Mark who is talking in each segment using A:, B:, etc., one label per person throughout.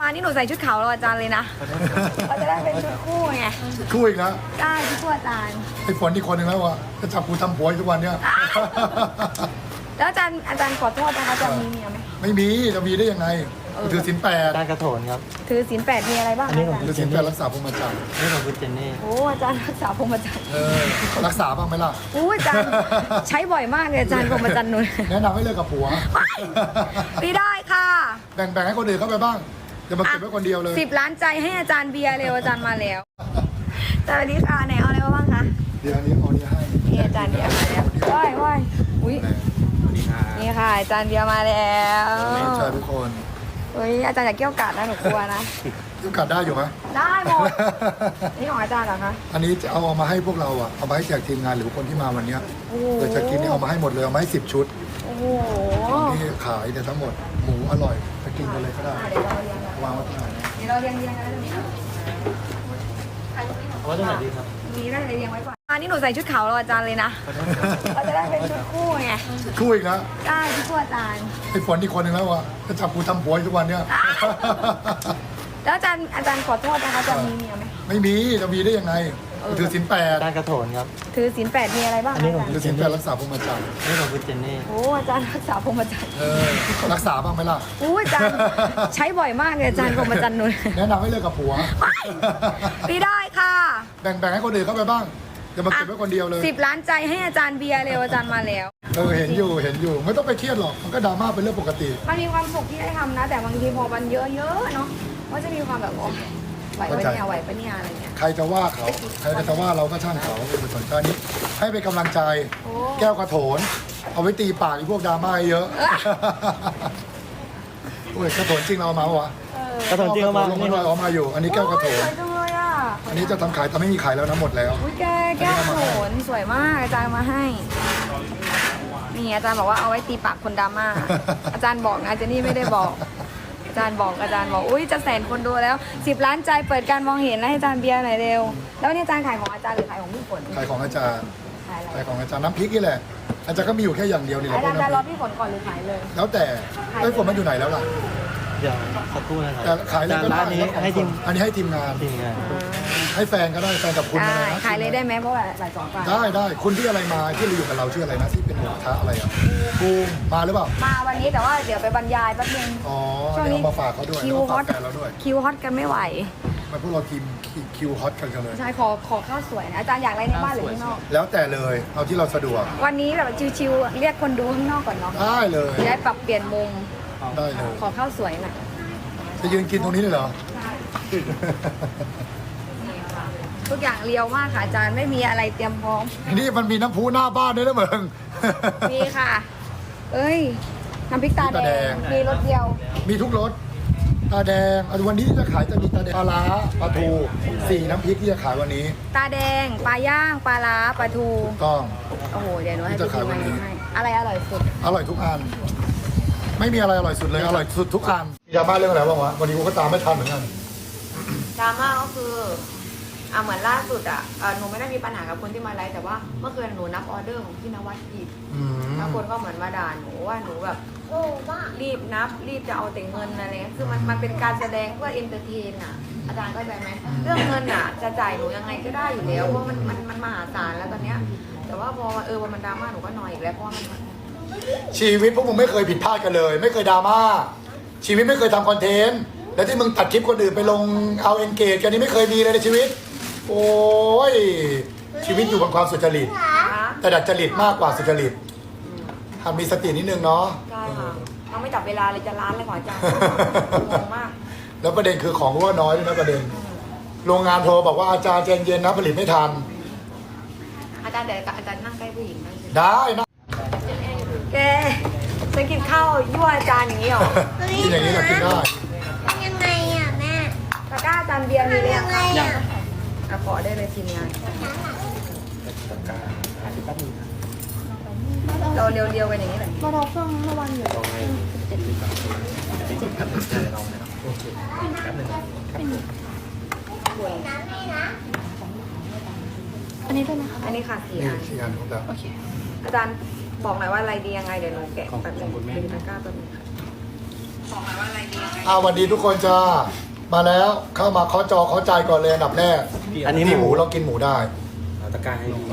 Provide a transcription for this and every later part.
A: านนี้หนูใส่ชุดขาวรออาจารย์เลยนะเราจะได้เป็นชุดคู่ไง
B: คู่อีกแล้ว
A: ได้ชุดคู่อาจารย์
B: ไอ้ฝนอีกคนหนึ่งแล้วอ่ะจะจับกูทำผัวอยู่ทุกวันเนี้ย
A: แล้วอาจารย์ขอโทษนะคะอาจารย์มีเมียไหม
B: ไม่มีจะมีได้ยังไงกูถือศีลแปด
C: การกระโถนครับ
A: ถือศีล8มีอะไรบ้าง
C: อันนี้
A: อา
C: ผม
A: จารย์
B: ถือศีลแปดรักษาพรหมจรรย์
C: นี่ของคุณเจนนี่
A: โอ้อาจารย์รักษาพรหมจรรย์
B: รักษาบ้างไหมล่ะ
A: โอ้อาจารย์ใช้บ่อยมากเลยอาจารย์พรหมจรรย์หนู
B: แนะนำให้เลิกกับผัว
A: ไม่ได้ค่ะ
B: แบ่งให้คนอื่นเข้าไปบ้างอย่ามาเก็บไว้คนเดียวเลย
A: 10 ล้านใจให้อาจารย์เบียร์เร็วอาจารย์มาแล้วสวัสดีค่ะไหนเอาอะไรมาบ้างคะ
B: เดี๋ยวอันนี้เอานี้ให้
A: นี่อาจารย์เบียร์มาแล้วว้ายอุ้ยนี่ค่ะอาจารย์เบียร์มาแล้ว
B: ใช่ทุกคน
A: อุ้ยอาจารย์อย่าเกี่ยวกาดนะหนูกลัวนะ
B: ยุกัดได้อยู่ไหม
A: ได้หมดนี่ของอาจารย์เหรอคะ
B: อันนี้จะเอามาให้พวกเราอ่ะเอามาให้แจกทีมงานหรือคนที่มาวันเนี้ย
A: โอ้โห
B: เผื่อจะกินนี่เอามาให้หมดเลยเอามาให้10 ชุด
A: โอ้โห
B: ที่ขายเนี่ยทั้งหมดหมูอร่อยจะกินกันเลยก็ได้
A: เดี๋ยวเราเรียงกัน
B: วางไว้ตรงไหน
A: เดี๋ยวเราเรียงกันแล้ว
C: เอาไว้ตรงไหนดีครับ
A: มีน่าจะเรียงไว้ก่อนอันนี้หนูใส่ชุดขาวรออาจารย์เลยนะเราจะได้เป็นชุดคู่ไง
B: คู่อีกแล้ว
A: ได้ชุดคู่อาจารย์
B: ไอ้ฝนอีกคนหนึ่งแล้วอ่ะจะจับกูทำผัวอยู่ทุกวันเนี้ย
A: แล้วอาจารย์ขอโทษนะคะอาจารย์มีเมียไหม
B: ไม่มีจะมีได้ยังไงกูถือศีลแปด
C: การกระโถนครับ
A: ถือศีล8มีอะไรบ้าง
C: อันนี้ของ
B: ถือศีลแปดรักษาพรหมจรรย์
C: นี่ของคุณเจนนี่
A: โอ้อาจารย์รักษาพรหมจรรย์
B: รักษาบ้างไหมล่ะ
A: โอ้อาจารย์ใช้บ่อยมากเลยอาจารย์พรหมจรรย์หนู
B: แนะนำให้เลิกกับผัว
A: ไม่ได้ค่ะ
B: แบ่งให้คนอื่นเข้าไปบ้างอย่ามาเก็บไว้คนเดียวเลย
A: 10 ล้านใจให้อาจารย์เบียร์เร็วอาจารย์มาแล้ว
B: เห็นอยู่ไม่ต้องไปเครียดหรอกมันก็ดราม่าเป็นเรื่องปกติ
A: มันมีความสุขที่ได้ทำนะ แต่บางทีพอมันเยอะๆเนาะก็จะมีความแบบโอ้ไหวปะเนี่ยไหวปะเนี่ยอะไรเงี้ย
B: ใครจะว่าเขาใครจะว่าเราก็ช่างเขาเป็นสนใจนี้ให้เป็นกำลังใจ
A: โอ้
B: แก้วกระโถน เอาไว้ตีปากไอ้พวกดราม่าเยอะโอ้ยกระโถนจริงเราเอามาปะวะ
C: กระโถนจริงเอามา
B: ลง
C: นี่
B: มาเอามาอยู่ อันนี้แก้วกระโถ
A: ส
B: น
A: วยจังเลยอ่ะ
B: อันนี้จะทำขายแต่ไม่มีขายแล้วนะหมดแล้ว
A: อุ้ยแก้วโขนสวยมากอาจารย์มาให้ นี่อาจารย์บอกว่าเอาไว้ตีปากคนดราม่า อาจารย์บอกนะเจนนี่ไม่ได้บอก อาจารย์บอกอุ้ยจะ100,000 คนดูแล้ว10 ล้านใจเปิดการมองเห็นแล้วให้อาจารย์เบียร์หน่อยเร็ว แล้วนี่อาจารย์ขายของอาจารย์หรือขายของพี่ฝน
B: ขายของอาจารย์
A: ขายอะไร
B: ขายของอาจารย์น้ำพริกนี่แหละ อาจารย์ก็มีอยู่แค่อย่างเดียวนี่แหละ
A: อา
B: พว
A: จาก รย์จะรอ
B: น้ำพริก
A: พี่ฝนก่อนหรือขายเลย
B: แล้วแต่ไอ้ฝนมันอยู่ไหนแล้วล่ะ
C: เดี๋ยวสักครู่นะค
B: แต่
C: รับ
B: ขายอะไรก็
C: ร้า
B: ได้
C: นนี้ให้ทีม
B: อันนี้ให้ทีมงาน
C: ทีมงาน
B: ให้แฟนก็ได้แฟนกับคุณอะไร
A: ได้
B: นะ
A: ขายเลยได้ไหมเพราะว่าหลาย2 ฝ่าย
B: ได้คุณที่อะไรมาที่เราอยู่กับเราชื่ออะไรนะที่เป็นหมูกระทะอะไรอ่ะบูมมาหรือเปล่า
A: มาวันนี้แต่ว่าเดี๋ยวไปบรรยายแป๊บนึง
B: อ๋อ
A: ช่วง
B: เดี๋ยว
A: นี้
B: เอามาฝากเขาด้วย
A: คิว
B: แล้วก็
A: ฮอ
B: ฝา
A: ต
B: กแฟนเราด้วย
A: คิวฮอตกันไม่ไหว
B: มาพวกเราทีมคิวฮอตกันเลย
A: ใช่ขอข้าวสวยนะอาจารย์อยากอะไรในบ้านหรือข้างนอก
B: แล้วแต่เลยเอาที่เราสะดวก
A: วันนี้แบบชิวๆเรียกคนดูข้างนอกก่อนเนาะ
B: ได้เลย
A: จะได้ปรับเปลี่ยนมุม
B: ได้เลย
A: ขอข้าวสวยหน่อย
B: จะยืนกินตรงนี้เลยเหรอ
A: ทุกอย่างเรียวมากค่ะอาจารย์ไม่มีอะไรเตรียมพร้อม
B: นี่มันมีน้ำพุหน้าบ้านด้วยนะเมือง
A: มีค่ะ เอ้ยน้ำพริกตา
B: ตา
A: แด
B: แด
A: ง
B: ง
A: มีรสเดียว
B: มีทุกรสตาแดงวันนี้ที่จะขายจะมีตาแดงปลาร้าปลาทู4น้ำพริกที่จะขายวันนี้
A: ตาแดงปลาย่างปลาล้าปลาทู
B: ต้อง
A: โอ้โหเดี๋ยวหนูให้
B: ที่จะขายวันนี้
A: ให้อะไรอร่อยสุด
B: อร่อยทุกอัน ไม่มีอะไรอร่อยสุดเลยอร่อยสุดทุกอันมีดราม่าเรื่องอะไรบ้างวะวันนี้กูก็ตามไม่ทันเหมือนกัน
A: ดราม่าก็คือเหมือนล่าสุดหนูไม่ได้มีปัญหากับคนที่มาไลฟ์แต่ว่าเมื่อคืนหนูนับออเดอร์ของพี่นวัดผิด
B: อืม
A: แล้วคนก็เหมือนมาด่าหนูว่าหนูแบบรีบนับรีบจะเอาแต่เงินอะไรเงี้ยคือมันเป็นการแสดงเพื่อเอนเตอร์เทนอ่ะอาจารย์เข้าใจไหมเรื่องเงินอ่ะจะจ่ายหนูยังไงก็ได้อยู่แล้วเพราะมันมหาศาลแล้วตอนเนี้ยแต่ว่าพอมันดราม่าหนูก็นอยอีกแล้วเพราะว่ามัน
B: ชีวิตพวกมึงไม่เคยผิดพลาดกันเลย ไม่เคยดราม่าชีวิตไม่เคยทำคอนเทนต์แล้วที่มึงตัดคลิปคนอื่นไปลงเอาเอนเกจกันนี่ไม่เคยมีเลยในชีวิต โอ้ยชีวิตอยู่บนความสุจริต แต่ดัดจริตมากกว่าสุจริตทำมีสตินิดนึงเนาะ
A: ใช่ค่ะยังไม่จับเวลาเลยจะล้านเลยขออาจารย์งงมาก
B: แล้วประเด็นคือของว่าน้อยด้วยนะประเด็น โรงงานโทรบอกว่าอาจารย์ใจเย็นนะผลิตไม่ทัน
A: อาจารย์เดี๋ยวอาจารย์นั่งใกล้ผู้หญิงนั่งสิ
B: ได้นะ
A: แกจะกินข้าวยั่วอาจารย์อย่างนี้หรอ
B: กินอย่างนี้เรากินได้
D: ยังไงอ่ะแม่
A: ตะกร้าอาจารย์เบียร์มีเรียง
D: ยังไงอ่ะ
A: ขอได้เลยทีมงานเราเรียวๆกันอย่างนี้เลย
D: มาเราเพิ่งเมื่อวันอยู่อันนี้ด้วยนะคะ
A: อันนี้ค่ะ4
B: นี่
A: อัน
B: ที่งานของเรา
D: โอเค
A: อาจารย์บอกหน่อยว่าอะไรดียังไงเดี๋ยวหนูแกะแบบนึงดูตะกร้าตัวนี้ค่ะบอกมาว่าอะไรดียังไง
B: วันดีทุกคนจ้ามาแล้วเข้ามาเคาะจอเคาะใจก่อนเลยอันดับแรก
C: อันนี้
B: นี่
C: ห
B: ห
C: มู
B: มูเรากินหมูได้
C: ตะการให้ดี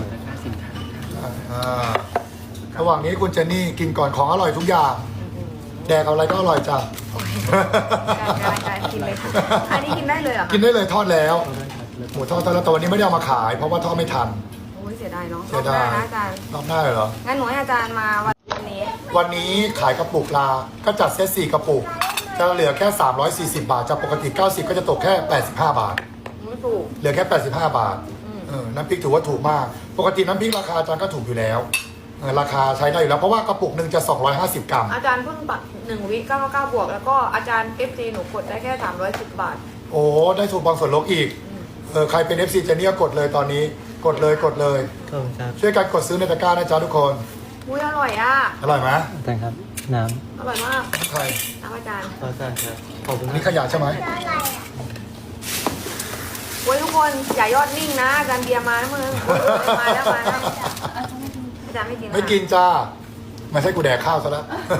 B: ระหว่างนี้คุณเจนนี่กินก่อนของอร่อยทุกอย่าง แดกเอาอะไรก็อร่อยจ้ะ
A: การกินเลยค่ะอันนี้กินได้เลยเหรอคะ
B: กินได้เลยทอดแล้ว หมูทอดแล้วแต่วันนี้ไม่ได้เอามาขาย เพราะว่าทอดไม่ทัน
A: โอ้ยเสียดายเนาะ
B: เสียดาย
A: รอบหน้นะอาจารย์
B: รอบหน้าเลยเหรอ
A: งั้นหนูให้อาจารย์มาวันนี้
B: วันนี้ขายกระปุกลาก็จัดเซต4กระปุก จะเหลือแค่ 340 บาทจากปกติ 90 ก็จะตกแค่ 85 บาท
A: ไม่ถูก
B: เหลือแค่ 85 บาท น้ำพริกถือว่าถูกมาก ปกติน้ำพริกราคาอาจารย์ก็ถูกอยู่แล้ว ราคาใช้ได้อยู่แล้ว เพราะว่ากระปุกหนึ่งจะ 250 กรัม
A: อาจารย์เพิ่งปัก1 วิ99 บวก แล้วก็อาจารย์ FG หนูกดได้แค่310 บาท
B: โอ้ ได้ถูกบางส่วนลดอีก ใครเป็น FC เจนนี่ก็กดเลยตอนนี้ กดเลย
C: ขอบคุณครับ
B: ช่วยกันกดซื้อในตะกร้านะจ๊ะทุกคน
A: อุ้ยอร่อยอ่ะ
B: อร่อยไหม
C: แต่ครับ น้
A: อร่อยมาก
B: ใคร
A: น้ำอาจารย์
C: ำขอบคุณครับ ขอบคุณ
B: นี่
C: นะ
B: ขยะใช่ไหม
A: โอ้ยทุกคนอย่ายอดนิ่งนะอาจารย์เบียร์มาแล้วมึงโอ้ยมาแล้วอาจารย์ไม่กิน
B: ไม่กินจ้าไม่ใช่กูแดกข้าวซะแล้ว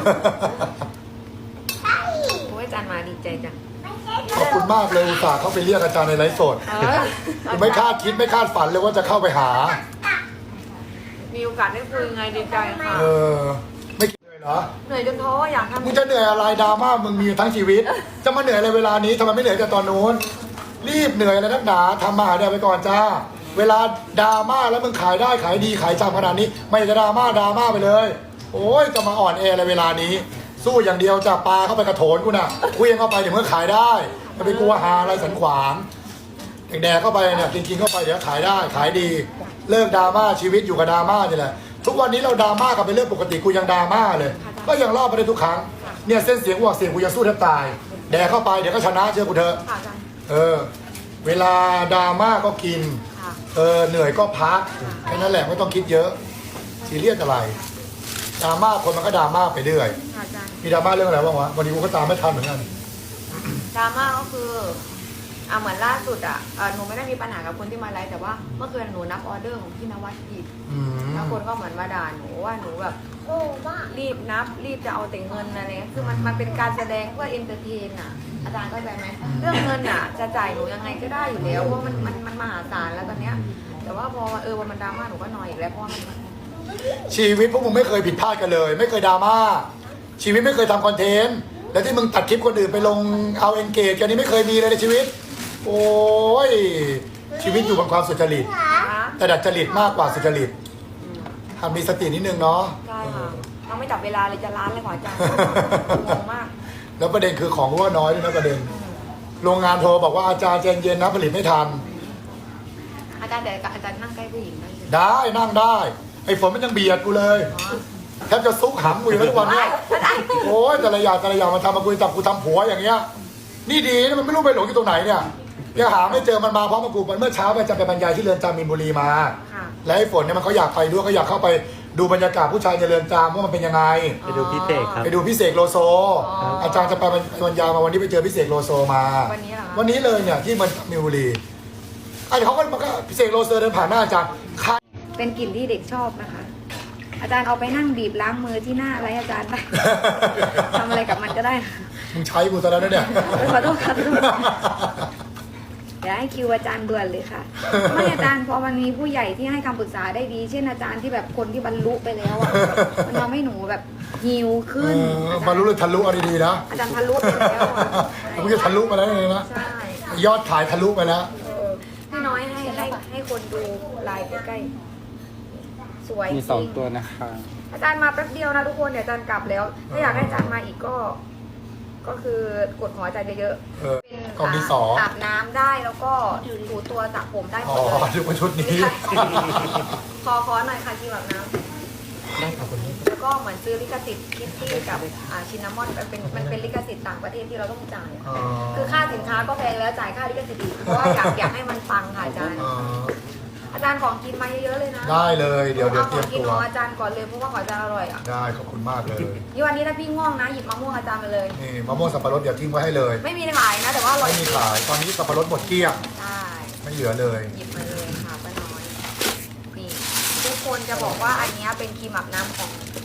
A: โอ้ยอาจารย์มาดีใจจัง
B: ขอบคุณมากเลยอุตส่าห์เข้าไปเรียกอาจารย์ในไลฟ์สด ไม่คาดคิดไม่คาดฝันเลยว่าจะเข้าไปหา
A: มีโอกาสได้คุยไงดีใจค่ะ
B: ไม่คิดเลยเหรอ
A: เหนื่อยจนท้ออยากทำ
B: มึงจะเหนื่อยอะไรดราม่ามึงมีทั้งชีวิต จะมาเหนื่อยอะไรเวลานี้ทำไมไม่เหนื่อยแต่ตอนนู้นรีบเหนื่อยอะไรนักหนาทำมาหาเดี๋ยวไปก่อนจ้า เวลาดราม่าแล้วมึงขายได้ขายดีขายจำขนาดนี้ ไม่จะดราม่าไปเลย โอ้ยจะมาอ่อนแออะไรเวลานี้ สู้อย่างเดียวจะปลาเข้าไปกระโถนกูน่ะคุยเข้าไปเดี๋ยวมึงขายได้จะไปกลัวหาอะไรสันขวางแดกเข้าไปเนี่ยกินเข้าไปเดี๋ยวขายได้ขายดี เลิกดราม่าชีวิตอยู่กับดราม่านี่แหละทุกวันนี้เราดราม่ากันเป็นเรื่องปกติกูยังดราม่าเลย ก็ยังรอดไปได้ทุกครั้งเนี่ยเส้นเสียงหัวเสียงกูยังสู้แทบตายแดกเข้าไปเดี๋ยวก็ชนะเชื่อกูเถอะ
A: ค่ะอาจารย์
B: เวลาดราม่าก็กิน
A: ค่ะ
B: เหนื่อยก็พักแค่นั้นแหละไม่ต้องคิดเยอะซีเรียสอะไรดราม่าคนมันก็ดราม่าไปเรื่อย
A: ค่ะอาจารย์
B: มีดราม่าเรื่องอะไรบ้างวะวันนี้กูก็ตามไม่ทันเหมือนกัน
A: ดราม่าก็คือเหมือนล่าสุดหนูไม่ได้มีปัญหากับคนที่มาไลฟ์แต่ว่าเมื่อคืนหนูนับออเดอร์ของพี่นวัดผิด
B: อืม
A: แล้วคนก็เหมือนมาด่าหนูว่าหนูแบบ
D: โอ้บ้า
A: รีบนับรีบจะเอาแต่เงินอะไรเงี้ยคือมันเป็นการแสดงเพื่อเอนเตอร์เทนอ่ะอาจารย์เข้าใจไหมเรื่องเงินอ่ะจะจ่ายหนูยังไงก็ได้อยู่แล้วเพราะมันมหาศาลแล้วตอนเนี้ยแต่ว่าพอวันมันดราม่าหนูก็นอยอีกแล้วเพราะว่ามัน
B: ชีวิตพวกมึงไม่เคยผิดพลาดกันเลย ไม่เคยดราม่าชีวิตไม่เคยทำคอนเทนต์แล้วที่มึงตัดคลิปคนอื่นไปลงเอาเอนเกจกันนี้ไม่เคยมีเลยในชีวิต โอ้ยชีวิตอยู่บนความสุจริต แต่ดัดจริตมากกว่าสุจริตทำมีสตินิดนึงเนาะ
A: ใช่ค่ะต้องไม่จับเวลาเลยจะล้านเลยขออาจารย์งงมาก
B: แล้วประเด็นคือของว่าน้อยด้วยนะประเด็น โรงงานโทรบอกว่าอาจารย์ใจเย็นนะผลิตไม่ทัน
A: อาจารย์แต่อาจารย์นั่งใกล้ผู้หญิงได้ใช่ไหม
B: ได้นั่งได้ ไอ้ฝนมันยังเบียดกูเลยแทบจะซุกหำกูอยู่ทุกวันเนี้ยโอ้ยแต่ละอย่างมาทำมาคุยจับกูทำผัวอย่างเงี้ย นี่ดีนะมันไม่รู้ไปหลงอยู่ตรงไหนเนี่ยยังหาไม่เจอมันมาพร้อมกับกูมันเมื่อเช้าไปจะไปบรรยายที่เรือนจำมีนบุรีมา
A: ค่ะ
B: และไอ้ฝนเนี่ยมันเขาอยากไปด้วยเขาอยากเข้าไปดูบรรยากาศผู้ชายในเรือนจำว่ามันเป็นยังไง
C: ไปดูพี่เตกครับ
B: ไปดูพี่เสกโลโซ อาจารย์จะไปบรรยายมาวันนี้ไปเจอพี่เสกโลโซมา
A: วันนี้เหรอคะ
B: วันนี้เลยเนี่ยที่มันมีนบุรีไอ้เขาก็พี่เสกโลโซเดินผ่านหน้าอาจารย์ใคร
A: เป็นกลิ่นที่เด็กชอบนะคะ อาจารย์เอาไปนั่งบีบล้างมือที่หน้าอะไรอาจารย์ได้ ทำอะไรกับมันก็ได้นะ
B: มึงใช้กูซะแล้วนะเนี่ย
A: ขอโทษค่ะขอโทษเดี๋ยวให้คิวอาจารย์ด่วนเลยค่ะ ไม่อาจารย์พอมันมีผู้ใหญ่ที่ให้คำปรึกษาได้ดี เช่นอาจารย์ที่แบบคนที่บรรลุไปแล้วอะมันทำให้หนูแบบฮิวขึ้น
B: มารู้เลยทะลุเอาดีๆนะ
A: อาจารย์ทะลุไปแล้วอะ
B: มึงจะทะลุมาแล้วเลยนะ
A: ใช่
B: ยอดขายทะลุไปแล้ว
A: พี่น้อยให้คนดูไลน์ใกล้ๆสวย
C: มี
A: จริง
C: 2 ตัวนะคะ
A: อาจารย์มาแป๊บเดียวนะทุกคนเดี๋ยวอาจารย์กลับแล้ว ถ้าอยากให้อาจารย์มาอีกก็คือกดหัวอาจารย์เยอะๆเป็น
B: กล่องที่สอง
A: อาบน้ำได้แล้วก็ถูตัวสระผมได้หม
B: อ๋อ
A: ดเลย
B: ดูว่าชุดนี้
A: ขอหน่อยค่ะที่แบบน้ำ
B: ได้ครับคุณนี้
A: แล้วก็เหมือนซื้อลิขสิทธิ์คิตตี้กับชินนามอนมันเป็นลิขสิทธิ์ต่างประเทศที่เราต้องจ่ายคือค่าสินค้าก็แพงแล้วจ่ายค่าลิขสิทธิ์อีกเพราะว่าอยากให้มันปังค่ะอาจารย์ อาจารย์ของกินมาเยอะๆเลยนะ
B: ได้เลยเดี๋ยว
A: เอา
B: เต
A: ข
B: รี
A: อย ง
B: ม
A: กิน
B: ตัว
A: ของอาจารย์ก่อนเลยเพราะว่าของอาจารย์อร่อยอ่ะ
B: ได้ขอบคุณมากเลย
A: นี่วันนี้ถ้าพี่ง่วงนะหยิบมะม่วงอาจารย์มาเลย
B: นี่มะม่วงสับปะรดเดี๋ยวทิ้งไว้ให้เลย
A: ไม่มีขายนะแต่ว่าอร่อย
B: ไม่มีขายตอนนี้สับปะรดหมดเกลี้ยง
A: ใช่
B: ไม่เหลือเลย
A: หยิบมาเลยค่ะป้าน้อยนี่ทุกคนจะบอกว่าอันนี้เป็นครีมอาบน้ำของ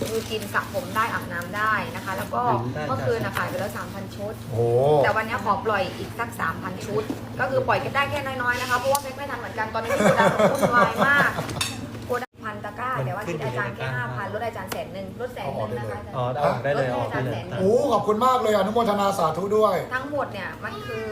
A: คือกินสระผมได้อาบน้ำได้นะคะ แล้วก็เมื่อคืนขายไปแล้ว 3,000 ชุด
B: โอ้
A: แต่วันนี้ขอปล่อยอีกสัก 3,000 ชุด ก็คือปล่อยกันได้แค่น้อยๆนะคะเพราะว่าไม่ทันเหมือนกันตอนนี้ที่โกดังวุ่นวายมากโกดังพันตะกร้าแต่ว่าคิดอาจารย์แค่ 5,000ลดอาจารย์100,000ลด100,000นะคะ
C: อ๋อได้เลยออกได้เลย
B: โหขอบคุณมากเลยอนุโมทนาสาธุด้วย
A: ทั้งหมดเนี่ยมันคือ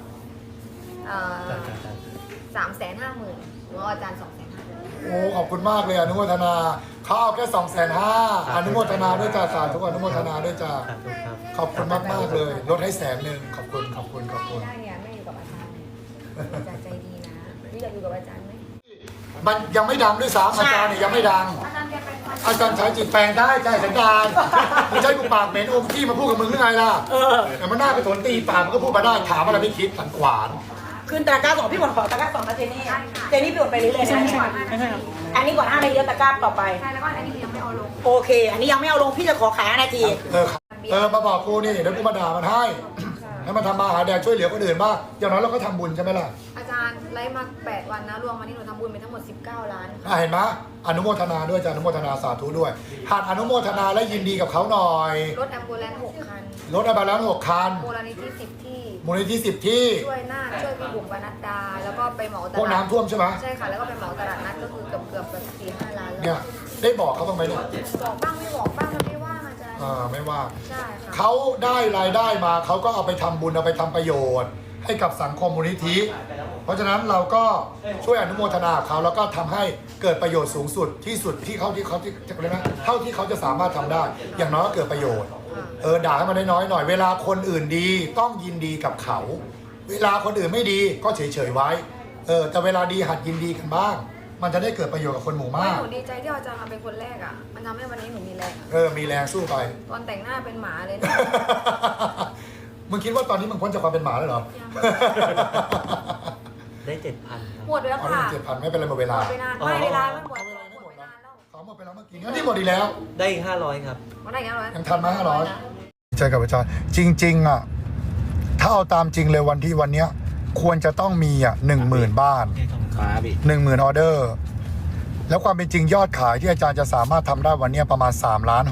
A: 350,000หรือว่าอาจารย์250,000
B: โอ้ขอบคุณมากเลยอนุโมทนาเขาเอาแค่250,000อนุโมทนาด้วยจ้าสาธุอนุโมทนาด้วยจ้า
C: ครับ
B: ขอบคุณมากมากๆเลยลดให้100,000ขอบคุณ
A: ได้เนี่ยไม่อยู่กับอาจารย์อาจารย์ใจดีนะพี่อยากอยู่กับอาจารย์ไหม
B: มันยังไม่ดังด้วยซ้ำอาจารย์เนี่ยยังไม่ดัง
A: อาจารย์แกเป็นคน
B: อาจารย์ใช้จิตแปลงได้ใจสันดานมึงใช้กูปากเหม็นอมขี้มาพูดกับมึงหรือไงล่ะแต่มันหน้าไปถนตีปากมันก็พูดมาได้ถามอะไรไม่คิดสันขวาน
E: คืนตะกร้าสองพี่หมดขอตะกร้าสองนะเจนี่เจนี่เปลี่ยนไปเรื่อยๆใช่ไหมอันนี้ก่อน5 นาทีแล้วตะกร้าต่อไป
A: ใช่แล้วก็อันนี้ยังไม่เอาลง
E: โอเค อันนี้ยังไม่เอาลงพี่จะขอขาย5 นาที
B: มาบอกกูนี่เดี๋ยวกูมาด่ามันให้ให้มันทำมาหาแดกช่วยเหลือคนอื่นบ้างอย่างน้อยเราก็ทำบุญใช่ไหมล่ะ
A: อาจารย์ไลฟ์มา8 วันนะรวมมาที่หนูทำบุญไปทั้งหมด19 ล้าน
B: เห็นไหมอนุโมทนาด้วยจ้ะอนุโมทนาสาธุด้วยหากอนุโมทนาและยินดีกับเขาหน่อย
A: รถแอมบูเลนซ์6 คัน
B: รถอะไรแล้ว6 คัน
A: มูลนิธิ10 ที่
B: มูลนิธิ10 ที่
A: ช่วยหน้าช่วยพี่บุ๋มปนัดดา แล้วก็ไปเหมาต
B: พวก
A: ลาด
B: น้ำท่วมใช่ไหม
A: ใช่ค่ะ แล้วก็ไปเหมาตลาดนัดก็คือเกือบแบบ4-5 ล้าน
B: เนี่
A: แล้
B: ยว ได้บอกเขาบ้างไหมเนี่ย
A: บอกบ้างไม่บอกบ้างมันไม่ว่างอาจารย์
B: ไม่ว่า
A: ใช่ค่ะ
B: เขาได้รายได้มาเขาก็เอาไปทำบุญเอาไปทำประโยชน์ ให้กับสังคมมูลนิธิ เพราะฉะนั้นเราก็ช่วยอนุโมทนาเขาแล้วก็ทำให้เกิดประโยชน์สูงสุดที่สุดที่เขาจะเรียกนะเท่าที่เขาจะสามารถทำได้ อย่างน้อยก็เกิดประโยชน์ด่าให้มันน้อยๆหน่อยเวลาคนอื่นดีต้องยินดีกับเขา เวลาคนอื่นไม่ดีก็เฉยๆไว้แต่เวลาดีหัดยินดีกันบ้าง มันจะได้เกิดประโยชน์กับคนหมู่มาก
A: หนูดีใจที่อาจารย์มาเป็นคนแรกอ่ะมันทำให้วันนี้หนูมีแรง
B: มีแรงสู้ไป
A: ตอนแต่งหน้าเป็นหมาเลยนะ
B: มึงคิดว่าตอนนี้มึงพ้นจากความเป็นหมาแล้วเหรอ
C: ได้ 7,000 ครับ
A: หมดไปแล้ว
B: เอา
A: ค่ะ
B: ได้7,000ไม่เป็นไรหมดเว
A: หม
B: ลา
A: ดไปนานไม่เวลาไม่หมด
B: ไม่
A: หมดไปนานแล้ว
B: เขาหมดไปแล้วเมื่อกี้นี่หมดอีกแล้ว
C: ได้อีก500 ครับ
A: หมดได้ยังไง
B: ยังทันมา500 ใช่กับอาจารย์จริง ๆอ่ะถ้าเอาตามจริงเลยวันเนี้ยควรจะต้องมี10,000 บ้าน 10,000 ออเดอร์ แล้วความเป็นจริงยอดขายที่อาจารย์จะสามารถทำได้วันเนี้ยประมาณ3.6 ล้าน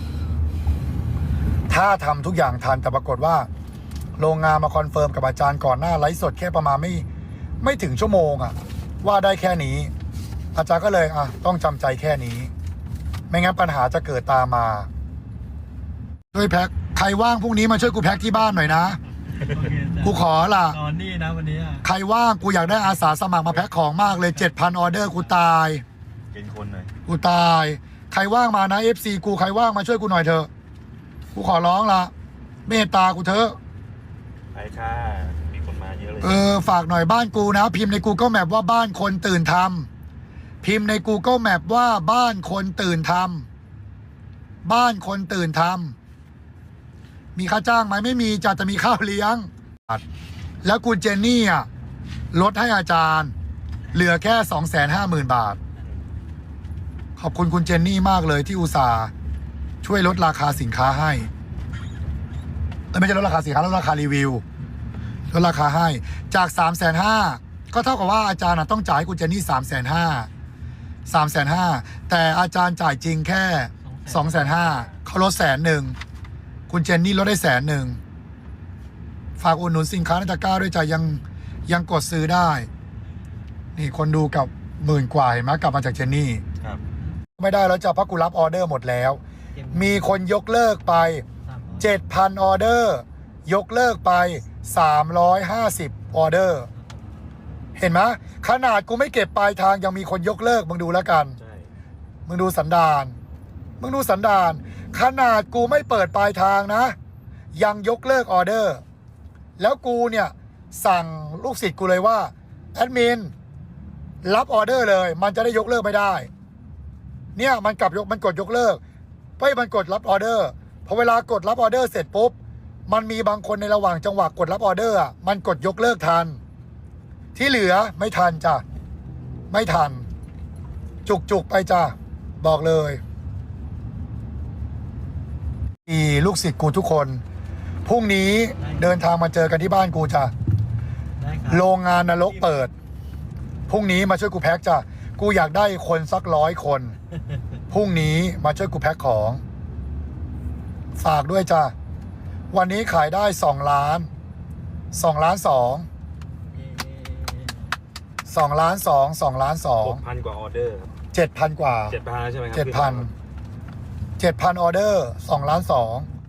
B: ถ้าทำทุกอย่างทันแต่ปรากฏว่าโรงงานมาคอนเฟิร์มกับอาจารย์ก่อนหน้าไลฟ์สดแค่ประมาณไม่ถึงชั่วโมงอ่ะว่าได้แค่นี้ อาจารย์ก็เลยต้องจำใจแค่นี้ ไม่งั้นปัญหาจะเกิดตามมาช่วยแพ็คใครว่างพรุ่งนี้มาช่วยกูแพ็คที่บ้านหน่อยนะ กูขอล่ะ
C: นอนนี่นะวันนี้
B: ใครว่างกูอยากได้อาสาสมัครมาแพ็คของมากเลย 7,000 ออเดอร์กูตาย
F: เป็นคนหน่อย
B: กูตายใครว่างมานะ FC กูใครว่างมาช่วยกูหน่อยเถอะกูขอร้องละเมตตากูเถอะ
F: ไปค่ะ มีคนมาเยอะเลย
B: ฝากหน่อยบ้านกูนะ พิมพ์ใน Google Map ว่าบ้านคนตื่นทำพิมพ์ใน Google Map ว่าบ้านคนตื่นทำบ้านคนตื่นทำมีค่าจ้างไหมไม่มีจะมีข้าวเลี้ยงแล้วคุณเจนนี่ลดให้อาจารย์เหลือแค่ 250,000 บาทขอบคุณคุณเจนนี่มากเลยที่อุตส่าห์ช่วยลดราคาสินค้าให้ไม่ใช่ลดราคาสินค้าลดราคารีวิวลดราคาให้จาก 350,000 ก็เท่ากับว่าอาจารย์ต้องจ่ายให้คุณเจนนี่ 350,000 แต่อาจารย์จ่ายจริงแค่ 250,000 เขาลด100,000 คุณเจนนี่ลดได้100,000 ฝากอุดหนุนสินค้าในตะกร้าด้วยจ้ะยังกดซื้อได้นี่คนดูกับ10,000 กว่าเห็นไหมกลับมาจากเจนนี่
F: ครับ
B: ไม่ได้แล้วจ้ะเพราะกูรับออเดอร์หมดแล้ว มีคนยกเลิกไป 7,000 ออเดอร์ยกเลิกไป350 ออเดอร์เห็นไหมขนาดกูไม่เก็บปลายทางยังมีคนยกเลิกมึงดูแล้วกัน
F: ใช่
B: มึงดูสันดานขนาดกูไม่เปิดปลายทางนะยังยกเลิกออเดอร์แล้วกูเนี่ยสั่งลูกศิษย์กูเลยว่าแอดมินรับออเดอร์เลยมันจะได้ยกเลิกไม่ได้เนี่ยมันกดยกเลิกมันกดรับออเดอร์พอเวลากดรับออเดอร์เสร็จปุ๊บมันมีบางคนในระหว่างจังหวะกดรับออเดอร์มันกดยกเลิกทันที่เหลือไม่ทันจ้ะไม่ทันจุกไปจ้ะบอกเลยลูกศิษย์กูทุกคนพรุ่งนี้เดินทางมาเจอกันที่บ้านกูจ้ะ
C: ได้ครับ
B: โรงงานนรกเปิดพรุ่งนี้มาช่วยกูแพ็คจ้ะกูอยากได้คนสัก100 คนพรุ่งนี้มาช่วยกูแพ็คของ ฝากด้วยจ้าวันนี้ขายได้2 ล้าน2 ล้าน2 ล้าน2 ล้าน
F: 6,000 ก
B: 2
F: ว่าออเดอร์ครับ
B: 7,000 กว่า
F: 7,000ใช่ไหมครั
B: 7,000ออเดอร์2 ล้าน2